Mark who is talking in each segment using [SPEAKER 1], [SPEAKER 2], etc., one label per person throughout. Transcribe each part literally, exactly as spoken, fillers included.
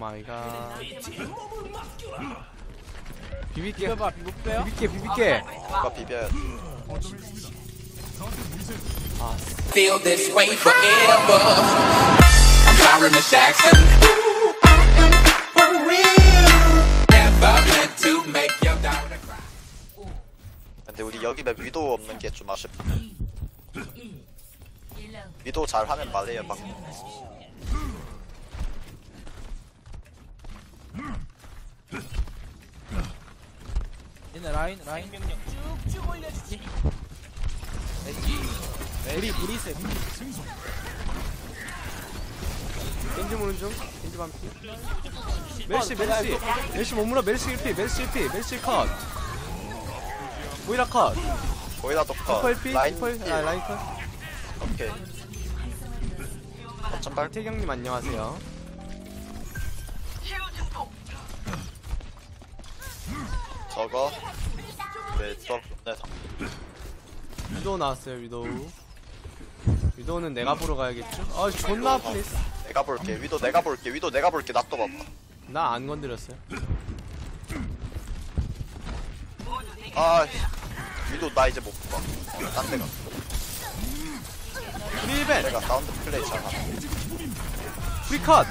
[SPEAKER 1] 마이 갓. 비빌게.
[SPEAKER 2] 비벼봐, 비벼.
[SPEAKER 1] 비빌게, 비빌게.
[SPEAKER 3] 누가 비벼야 돼.
[SPEAKER 1] 아,
[SPEAKER 4] Feel this way forever. I'm Byron Jackson. Ooh, I am for real. Never meant to make your daughter cry.
[SPEAKER 3] 근데 우리 여기 맵 위도 없는 게 좀 아쉽다. 위도 잘하면 말해요 막.
[SPEAKER 2] 얘네 라인, 라인 명령 쭉쭉 올려주지. 우리, 우리 세.
[SPEAKER 1] 겐지 모는 중. 겐지 반피. 멜시, 멜시. 멜시 못 물어. 멜시 일 피, 멜시 일 피, 멜시 컷. 모이라 컷.
[SPEAKER 3] 거기다 독커.
[SPEAKER 1] 리퍼 일 피,
[SPEAKER 3] 라인
[SPEAKER 1] 리퍼 일 피. 아, 라인 컷.
[SPEAKER 3] 오케이. 어쩜 발
[SPEAKER 1] 태경님 안녕하세요.
[SPEAKER 3] 저거. 네, 저, 네,
[SPEAKER 1] 위도우 나왔어요, 위도우. 위도우는 내가 보러 가야겠죠? 아, 존나 아프네.
[SPEAKER 3] 내가 볼게. 위도 내가 볼게. 위도 내가 볼게. 나 또 봐봐.
[SPEAKER 1] 나 안 건드렸어요.
[SPEAKER 3] 아, 위도 나 이제 못 봐. 딴 데가.
[SPEAKER 1] 프리벤!
[SPEAKER 3] 내가 사운드 플레이 잘하.
[SPEAKER 1] 프리컷!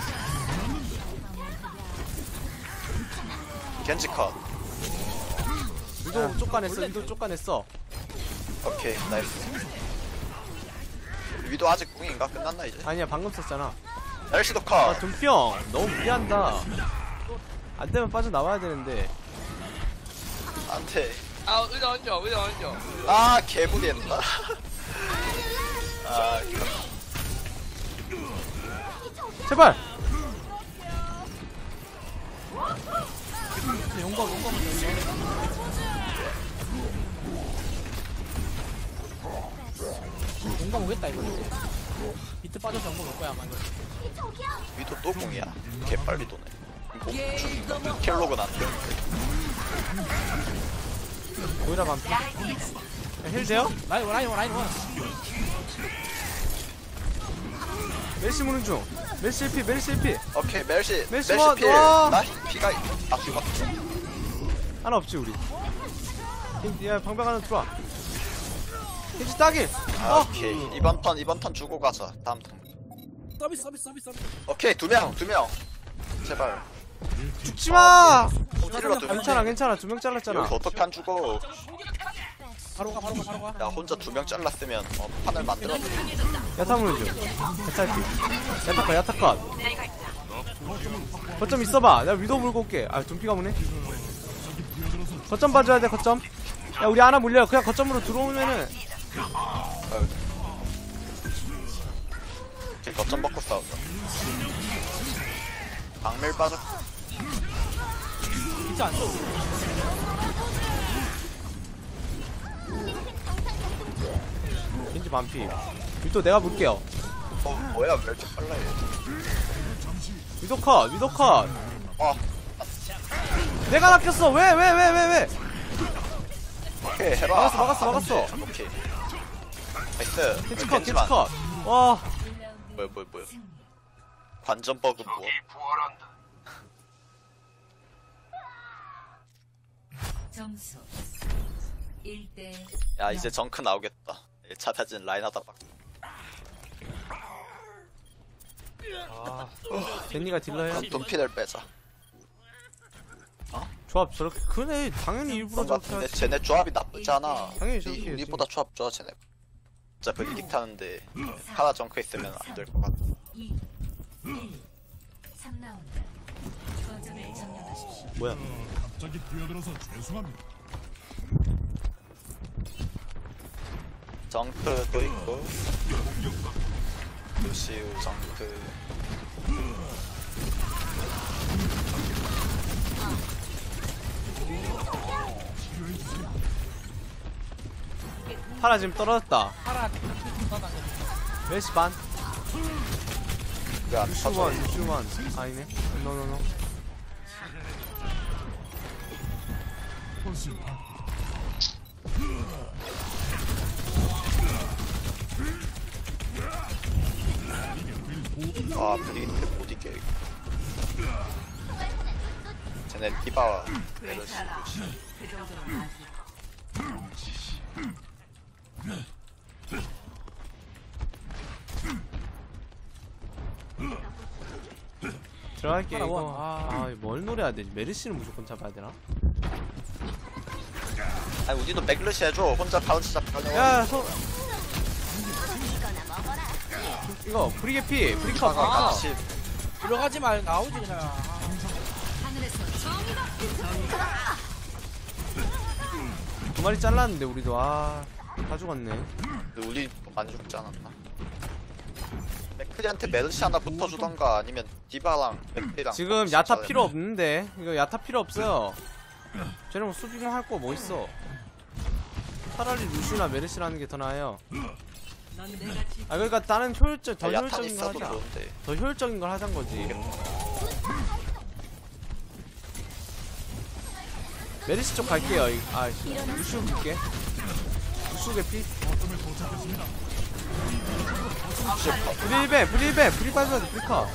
[SPEAKER 3] 겐지 컷.
[SPEAKER 1] 위도우 쫓아냈어, 위도우 쫓아냈어.
[SPEAKER 3] 오케이, 나이스. 위도 아직 궁인가? 끝났나 이제?
[SPEAKER 1] 아니야, 방금 썼잖아.
[SPEAKER 3] 멜시도
[SPEAKER 1] 아,
[SPEAKER 3] 컷.
[SPEAKER 1] 돈병! 너무 무리한다. 안 되면 빠져나와야 되는데.
[SPEAKER 3] 안돼.
[SPEAKER 5] 아, 의자 얹어, 의자 얹어.
[SPEAKER 3] 아, 개무리했다. 아, 이거.
[SPEAKER 1] 제발!
[SPEAKER 2] 용감, 용감. 용감 오겠다, 이거 이제. 비트 빠져서 용감 올 거야, 아마 이거.
[SPEAKER 3] 위도 또 궁이야. 개빨리 도네. 뭐, 죽 켈로그는 안 돼.
[SPEAKER 1] 모이라 반피. 야, 힐 돼요?
[SPEAKER 2] 라인, 원, 라인, 원, 라인, 원.
[SPEAKER 1] 멜시 무는 중. 멜시 일 피, 멜시 일 피.
[SPEAKER 3] 오케이, 멜시.
[SPEAKER 1] 멜시
[SPEAKER 3] 멜시
[SPEAKER 1] 원,
[SPEAKER 3] 필.
[SPEAKER 1] 와.
[SPEAKER 3] 나 피가, 아, 죽었어.
[SPEAKER 1] 하나 없지, 우리. 야, 방벽 하나 들어와. 겐지 따길!
[SPEAKER 3] 아,
[SPEAKER 1] 어!
[SPEAKER 3] 오케이. 이번 턴, 이번 턴 주고 가자. 다음 턴.
[SPEAKER 2] 서비스, 서비스, 서비스, 서비스.
[SPEAKER 3] 오케이, 두 명, 두 명. 제발.
[SPEAKER 1] 죽지 마!
[SPEAKER 3] 호딜러 두 명.
[SPEAKER 1] 괜찮아, 괜찮아. 두 명 잘랐잖아.
[SPEAKER 3] 여기서 어떻게 안 죽어?
[SPEAKER 2] 바로 가, 바로 가, 바로 가.
[SPEAKER 3] 나 혼자 두 명 잘랐으면 어, 판을 만들었네.
[SPEAKER 1] 야타 무는 중. 야타 피. 야타 컷, 야타 컷. 거점 있어봐. 내가 위도 물고 올게. 아, 둠피가 무네. 거점 봐줘야 돼, 거점. 야, 우리 하나 물려. 그냥 거점으로 들어오면은.
[SPEAKER 3] 오케이, 거점 먹고 싸우자. 박밀 빠져.
[SPEAKER 2] 비트 안 써.
[SPEAKER 1] 겐지 반피. 위도 내가 물게요.
[SPEAKER 3] 어, 뭐야, 왜 이렇게 빨라, 얘.
[SPEAKER 1] 위도 컷, 위도 컷.
[SPEAKER 3] 어,
[SPEAKER 1] 내가 낚였어. 왜, 왜, 왜, 왜, 왜.
[SPEAKER 3] 오케이, 해봐.
[SPEAKER 1] 막았어, 막았어, 막았어.
[SPEAKER 3] 오케이. 나이스.
[SPEAKER 1] 겐지 컷, 겐지
[SPEAKER 3] 겐지만.
[SPEAKER 1] 컷. 와.
[SPEAKER 3] 뭐야, 뭐야, 뭐야. 관전 버그 뭐.
[SPEAKER 6] 점수 일 대
[SPEAKER 3] 야, 이제 정크 나오겠다. 일 차 타진 라인 하다 박.
[SPEAKER 1] 젠니가 딜러 해야
[SPEAKER 3] 그럼 돈피를 빼자.
[SPEAKER 1] 조합 저렇게 그네 당연히 일부러
[SPEAKER 3] 뭔가
[SPEAKER 1] 저렇게
[SPEAKER 3] 근데
[SPEAKER 1] 하지.
[SPEAKER 3] 쟤네 조합이 나쁘지 않아.
[SPEAKER 1] 당연히
[SPEAKER 3] 우리,
[SPEAKER 1] 저렇게 해야지.
[SPEAKER 3] 우리보다 조합 좋아, 쟤네. 진짜 브리킥 타는데 하나 정크 있으면 안 될 것 같아.
[SPEAKER 6] 이 일 삼 라운드 거점을 점령하십시오.
[SPEAKER 1] 뭐야?
[SPEAKER 7] 갑자기 뛰어들어서 죄송합니다.
[SPEAKER 3] 정크도 있고 루시우 정크.
[SPEAKER 1] 파라 지금 떨어졌다.
[SPEAKER 2] 파라, 떠나네.
[SPEAKER 1] 멜시 반.
[SPEAKER 3] 왜안 터져?
[SPEAKER 1] 슈원, 슈원. 아니네. 노노노.
[SPEAKER 7] 훨씬 나.
[SPEAKER 3] 아, 브리킥 못 이겨. 이거. 쟤네 디바 메르시.
[SPEAKER 1] 들어갈게
[SPEAKER 2] 하나
[SPEAKER 1] 이거.
[SPEAKER 2] 원. 아.
[SPEAKER 1] 아뭘 노려야 돼? 메르시는 무조건 잡아야 되나?
[SPEAKER 3] 아니 우리도 맥르시 해줘. 혼자 바운스 잡혀네.
[SPEAKER 1] 야 소. 이거 브리게피 브리카
[SPEAKER 3] 아까
[SPEAKER 1] 브리카.
[SPEAKER 3] 같이
[SPEAKER 2] 들어가지 말 나오지 그냥.
[SPEAKER 1] 두 마리 잘랐는데 우리도 아다 죽었네.
[SPEAKER 3] 근데 우리 많이 죽지 않았나? 맥크리한테 메르시 하나 붙어주던가 아니면 디바랑 맥크리랑
[SPEAKER 1] 지금
[SPEAKER 3] 같이
[SPEAKER 1] 야타
[SPEAKER 3] 잘해.
[SPEAKER 1] 필요 없는데 이거 야타 필요 없어요. 쟤는 뭐 수비만 할 거 뭐 있어. 차라리 루시나 메르시라는 게 더 나아요. 아 그러니까 다른 효율적 더
[SPEAKER 3] 아, 야탄
[SPEAKER 1] 효율적인 걸
[SPEAKER 3] 있어도
[SPEAKER 1] 하자.
[SPEAKER 3] 좋은데.
[SPEAKER 1] 더 효율적인 걸 하자는 거지. 메르시 쪽 갈게요. 이- 아 루시우 볼게. 루시우 개피. 브릴벤 브릴벤 브릴 빠져야 돼 브리카.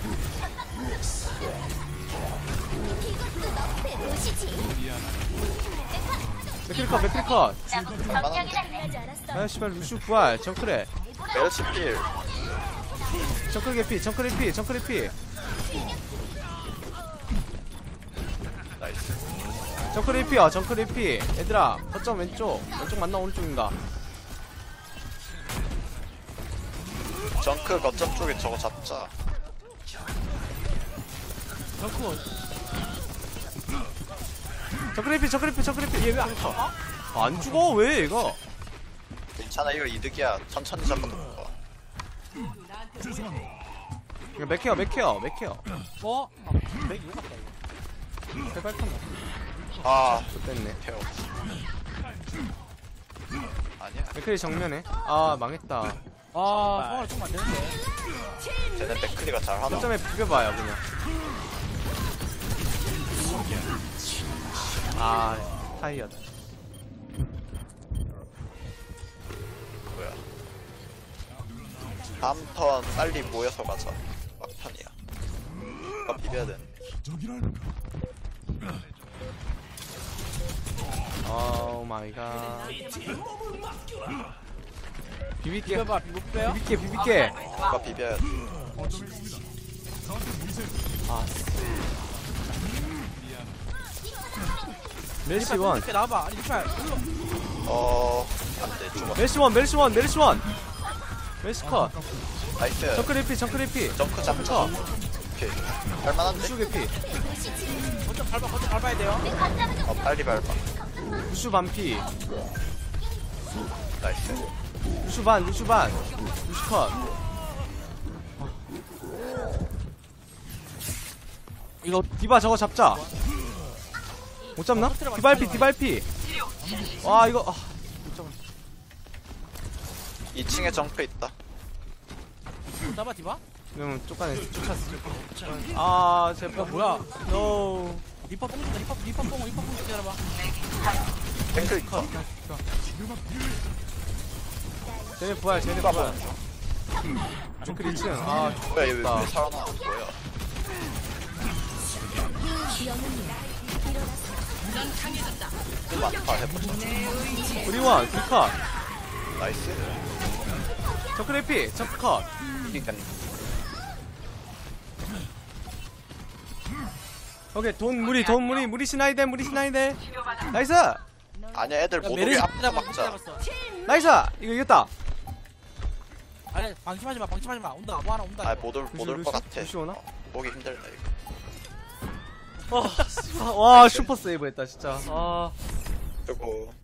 [SPEAKER 1] 맥크리컷 맥크리컷. 아 씨발 루시우 부활 정크레.
[SPEAKER 3] 메르시 필.
[SPEAKER 1] 정크레 개피 정크레 피 정크레 피.
[SPEAKER 3] 나이스.
[SPEAKER 1] 정크레 피야 정크레 피. 얘들아 거점 왼쪽 왼쪽 맞나 오른쪽인가.
[SPEAKER 3] 정크 거점 쪽에 저거 잡자.
[SPEAKER 1] 정크 정크레 피 정크레 피 정크레 피. 얘 왜 안 가? 안 죽어 왜 얘가?
[SPEAKER 3] 괜찮아 이거 이득이야. 천천히 잡는 거.
[SPEAKER 1] 이거 맥해요 맥해요 맥해요.
[SPEAKER 2] 뭐? 아, 맥 이거 같다 이거.
[SPEAKER 1] 제발 칸다.
[SPEAKER 3] 아
[SPEAKER 1] 좋됐네.
[SPEAKER 3] 태워. 아니야.
[SPEAKER 1] 맥크리 정면에. 아 망했다.
[SPEAKER 2] 아, 성화를 좀안 되는데.
[SPEAKER 3] 쟤네 맥크리가 잘하나?
[SPEAKER 1] 거점에 비벼봐요 그냥. 아 타이어다.
[SPEAKER 3] 뭐야? 다음 턴 빨리 모여서 가자. 막판이야. 아까 비벼야 돼.
[SPEAKER 7] 기적이랄까.
[SPEAKER 1] 오 마이 갓. 비빌게
[SPEAKER 2] 비벼봐, 비벼 빼요?
[SPEAKER 1] 비빌게 비빌게.
[SPEAKER 3] 아까 비벼야 돼.
[SPEAKER 7] 거점에 있습니다. 저한테 보이세요.
[SPEAKER 1] 아 멜시 원
[SPEAKER 2] 이렇게 나와봐. 아니, 리팔.
[SPEAKER 3] 어... 안돼 죽어.
[SPEAKER 1] 멜시 원 멜시 원 멜시 원 멜시 컷.
[SPEAKER 3] 나이스.
[SPEAKER 1] 정크레피 정크레피.
[SPEAKER 3] 정크 잡자.
[SPEAKER 1] 컷.
[SPEAKER 3] 오케이. 할만한데?
[SPEAKER 1] 루슈 개피.
[SPEAKER 2] 거점 밟아, 거점 밟아야 돼요.
[SPEAKER 3] 어 빨리 밟아.
[SPEAKER 1] 루슈 반피.
[SPEAKER 3] 나이스.
[SPEAKER 1] 루슈 반 루슈 반 루슈 컷. 이거 디바 저거 잡자. 못 잡나? 디발피 디발피. 와 이거 아, 못 잡아.
[SPEAKER 3] 이 층에 정크 있다.
[SPEAKER 2] 잡아, 디바?
[SPEAKER 1] 그러면 쫓아내 쫓았어. 아 제발
[SPEAKER 2] 야, 뭐야?
[SPEAKER 1] 노.
[SPEAKER 2] 리퍼 뽕 준다, 리퍼, 리퍼 뽕, 리퍼 뽕 기다려봐.
[SPEAKER 3] 탱크 있다.
[SPEAKER 1] 쟤네 부활 쟤네 부활. 정크 이 층. 아
[SPEAKER 3] 뭐야 얘 왜
[SPEAKER 1] 좋다.
[SPEAKER 3] 살아나? 뭐야? 또 많다 해보자.
[SPEAKER 1] 브리원 브리컷.
[SPEAKER 3] 나이스.
[SPEAKER 1] 정크레피 정크컷.
[SPEAKER 3] 이겼네.
[SPEAKER 1] 오케이 돈 무리 돈 무리 무리 시나이데 무리 시나이데. 나이스
[SPEAKER 3] 아니야 애들 못 오게
[SPEAKER 2] 메르시
[SPEAKER 3] 앞에
[SPEAKER 2] 잡아,
[SPEAKER 3] 막자.
[SPEAKER 2] 잡았어.
[SPEAKER 1] 나이스 이거 이겼다.
[SPEAKER 2] 아니, 방심하지 마, 방심하지 마. 온다, 뭐 하나 온다.
[SPEAKER 3] 아못올못올것 같아.
[SPEAKER 1] 루시 오나?
[SPEAKER 3] 보기 힘들다 이거.
[SPEAKER 1] 와, 와 슈퍼 세이브 했다 진짜. 아.
[SPEAKER 3] 그리고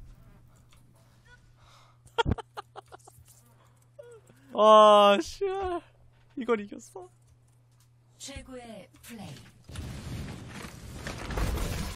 [SPEAKER 1] 와, 씨. 이걸 이겼어?
[SPEAKER 6] 최고의 플레이.